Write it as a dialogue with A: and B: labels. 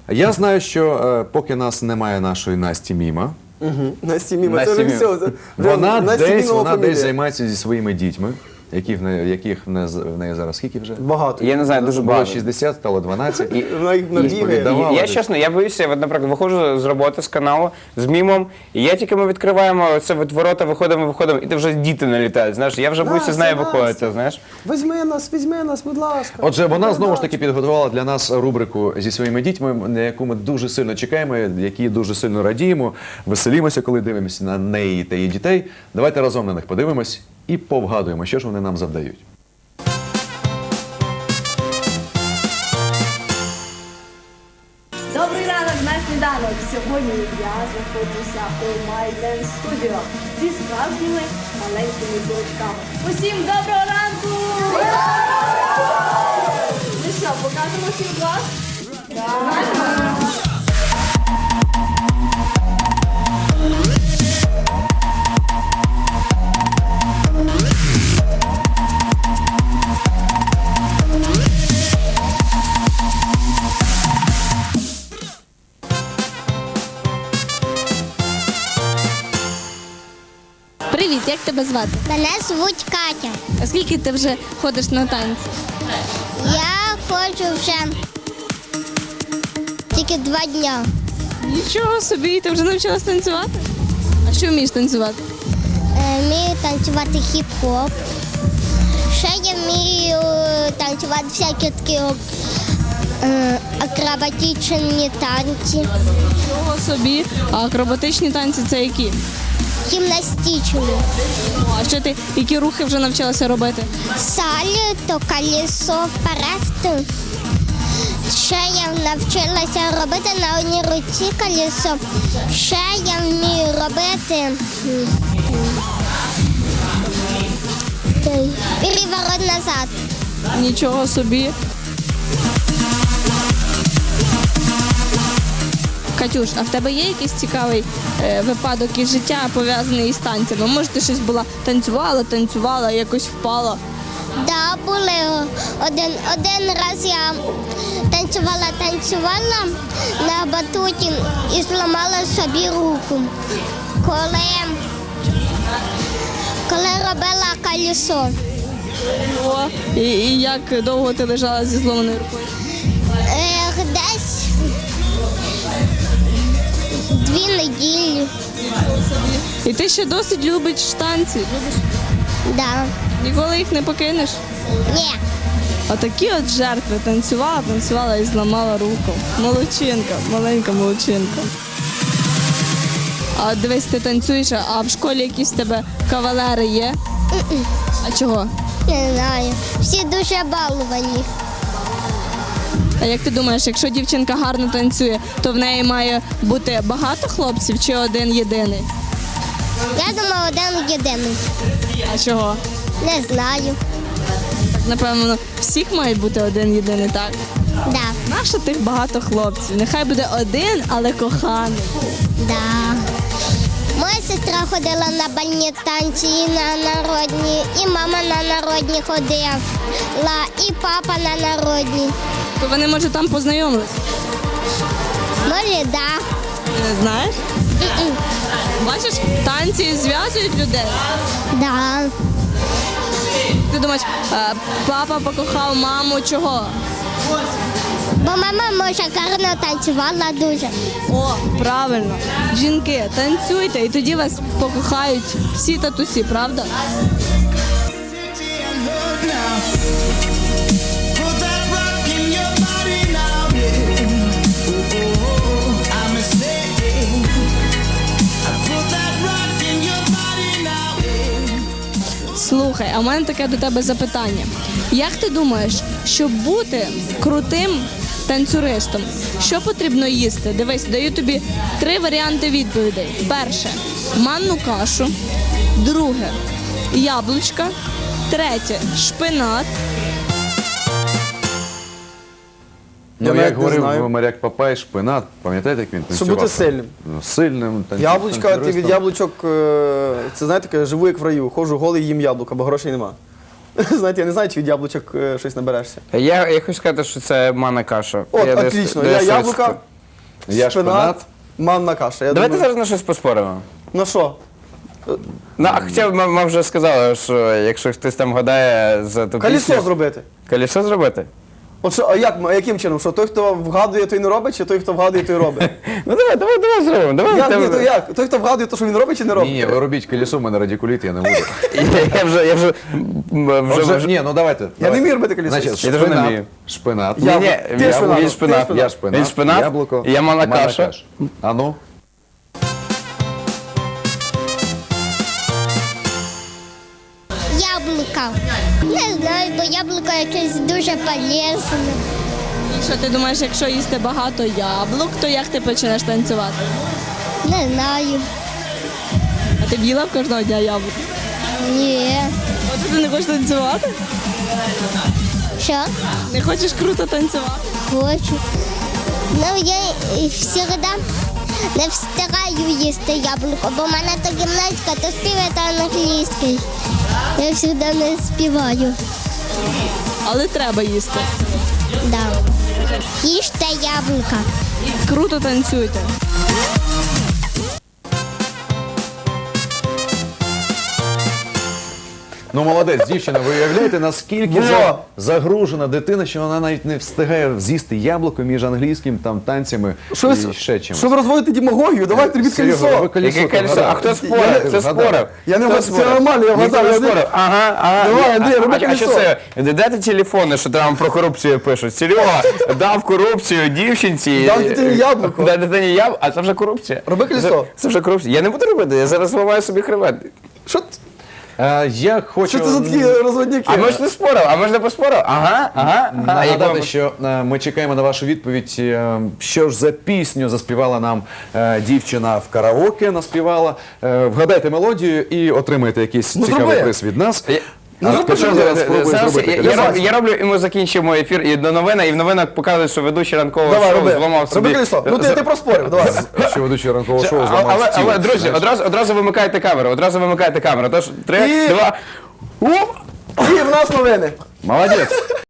A: Я знаю, що поки нас немає нашої Насті Міма,
B: Насті Міма, це вже все.
A: вона десь
B: фамілія.
A: займається зі своїми дітьми, яких в неї зараз скільки вже?
B: Багато.
C: Я не знаю, дуже
A: Було
C: багато.
A: 60, стало 12.
B: Вона їх набігає.
A: Сповідала.
C: Я чесно, я боюся, от, наприклад, виходжу з роботи, з каналу, з мімом, і я тільки ми відкриваємо це ворота, виходимо, і ти вже діти налітають, знаєш, я вже боюся з нею виходити, знаєш.
B: Візьми нас, будь ласка.
A: Отже, вона знову ж таки підготувала для нас рубрику зі своїми дітьми, на яку ми дуже сильно чекаємо, які дуже сильно радіємо, веселімося, коли дивимося на неї та її дітей. Давайте разом на них подивимось і повгадуємо, що ж вони нам завдають.
D: Добрий ранок на сніданок! Сьогодні я знаходжуся у My Dance Studio зі справжніми маленькими зірочками. Усім доброго ранку! Ну що, покажемо всім клас?
E: Привіт, як тебе звати?
F: Мене звуть Катя.
E: А скільки ти вже ходиш на танці?
F: Я ходжу вже тільки 2 дня.
E: Нічого собі, ти вже навчилась танцювати? А що вмієш танцювати?
F: Вмію танцювати хіп-хоп. Ще я вмію танцювати всякі такі акробатичні танці,
E: Нічого собі. А акробатичні танці це які?
F: гімнастичні.
E: А що ти, які рухи вже навчилася робити?
F: Сальто, колесо, вперед. Ще я навчилася робити на одній руці колесо. Ще я вмію робити переворот назад.
E: Нічого собі. Катюш, а в тебе є якийсь цікавий випадок із життя, пов'язаний із танцями? Може, ти щось була танцювала, якось впала?
F: Да, були. Один раз я танцювала на батуті і зламала собі руку, коли робила колесо.
E: О, і як довго ти лежала зі зломаною рукою?
F: Десь 2 неділі.
E: І ти ще досить любиш танці?
F: Да.
E: Ніколи їх не покинеш?
F: Ні.
E: Отакі от жертви. Танцювала і зламала руку. Молодчинка, маленька молодчинка. А от дивись, ти танцюєш, а в школі якісь в тебе кавалери є? А чого?
F: Не знаю. Всі дуже баловані.
E: А як ти думаєш, якщо дівчинка гарно танцює, то в неї має бути багато хлопців чи один єдиний?
F: Я думаю, один єдиний.
E: А чого?
F: Не знаю.
E: Так, напевно, всіх має бути один єдиний, так?
F: Да.
E: Нащо тих багато хлопців? Нехай буде один, але коханий.
F: Да. Моя сестра ходила на бальні танці і на народні, і мама на народні ходила, і папа на народні.
E: То вони, може, там познайомились?
F: Може, да.
E: Не знаєш? Бачиш, танці зв'язують людей.
F: Да.
E: Ти думаєш, папа покохав маму чого?
F: Бо мама може гарно танцювала дуже.
E: О, правильно. Жінки, танцюйте, і тоді вас покохають всі татусі, правда? Слухай, а в мене таке до тебе запитання. Як ти думаєш, щоб бути крутим танцюристом, що потрібно їсти? Дивись, даю тобі 3 варіанти відповідей. Перше – манну кашу. Друге – яблучка. Третє – шпинат.
A: Ну,
B: навіть
A: як
B: не
A: говорив
B: знаю.
A: моряк Папай, шпинат, пам'ятаєте, як він
B: Щоб
A: танцював?
B: бути сильним.
A: Ну, сильним
B: Яблучка, ти від
A: танцюристом.
B: яблучок, це знаєте, таке, живу як в раю. Ходжу голий, їм яблука, бо грошей нема. Знаєте, я не знаю, чи від яблучок щось наберешся.
C: Я хочу сказати, що це манна каша.
B: От,
C: Я
B: отлично.
C: десь
B: Яблука,
A: Я шпинат.
B: Манна каша. Я
C: Давайте
B: думаю,
C: зараз на щось поспоримо.
B: на що?
C: Ну, а хоча ми вже сказали, що якщо хтось там гадає за ту
B: Колесо
C: пісню-
B: зробити.
C: Колесо зробити?
B: От що, а яким чином? Що той, хто вгадує, той не робить, чи той, хто вгадує, той робить?
C: Ну давай зробимо. Давай,
B: Як, ні,
C: давай.
B: то як? Той, хто вгадує, то що він робить чи не робить?
A: Ні, ви робіть колесо, в мене радикуліт, я не буду.
C: Я вже
A: Отже, ні, ну давайте.
B: Я
A: давайте.
B: не вмію робити колесо.
A: Значить,
C: Я теж не вмію.
A: шпинат.
B: Я-
C: Ні,
B: Ти шпинат,
C: він
B: ти
C: шпинат.
B: шпинат.
C: Він шпинат,
A: яблуко,
C: я манна каша.
A: А ну?
F: Яблука. Не знаю, бо яблуко якесь дуже полезне.
E: І що ти думаєш, якщо їсти багато яблук, то як ти почнеш танцювати?
F: Не знаю.
E: А ти б їла б кожного дня яблук?
F: Ні.
E: От ти не хочеш танцювати?
F: Що?
E: Не хочеш круто танцювати?
F: Хочу. Ну, я завжди не встигаю їсти яблуко, бо в мене то гімнастика, то співати англійський. Я завжди не співаю.
E: Але треба їсти.
F: Да. Їжте яблука.
E: Круто танцюйте.
A: Ну, молодець, дівчина, ви уявляєте, наскільки загружена дитина, що вона навіть не встигає з'їсти яблуко між англійським там танцями
B: Що
A: і
B: ви,
A: ще чимось.
B: що ви розводите демагогію? Давайте робіть
A: Серйозно, ви
B: колесо.
A: колесо
C: Яке колесо?
A: вгадали.
C: А хто
B: Я
C: спорив?
B: не-
C: Хто
A: вгадав.
C: спорив?
B: Я не
C: Хто
B: вгадав, це
C: спорив?
B: нормально, я
C: Ніхто
B: вгадав,
C: не
B: я не-
C: спорив. Ага.
B: Давай, Андрій, роби
C: А що
B: колесо.
C: це? Дайте телефони, що там про корупцію пишуть. Серега дав корупцію дівчинці.
B: Дав дитині яблуко.
C: Дав дитині яблуко, а це вже корупція.
B: Роби колесо.
C: Це вже корупція. Я не буду робити, я зараз ламаю собі хребет.
B: Що
A: Я хочу
B: що це за такі розводняки?
C: А ми ж не спорив, а ми ж не поспорив. Ага.
A: нагадати, що ми чекаємо на вашу відповідь. Що ж за пісню заспівала нам дівчина в караоке, наспівала. Вгадайте мелодію і отримаєте якийсь цікавий
B: зроби.
A: приз від нас.
B: Ну, зроби,
A: Хоча
B: зроби.
A: зараз спробую
C: Зараз
A: зробити
C: я
A: колесо.
C: я роблю, і ми закінчимо ефір і до новин, і в новинах показують, що ведучий ранкового
B: Давай,
C: шоу
B: роби.
C: зламав собі.
B: Роби колесо. Ну ти проспорив, давай.
A: Що ведучий ранкового шоу
C: Але,
A: зламав стіл.
C: друзі, одразу вимикайте камеру. Тож 3,
B: І-
C: 2,
B: І в нас новини.
A: Молодець.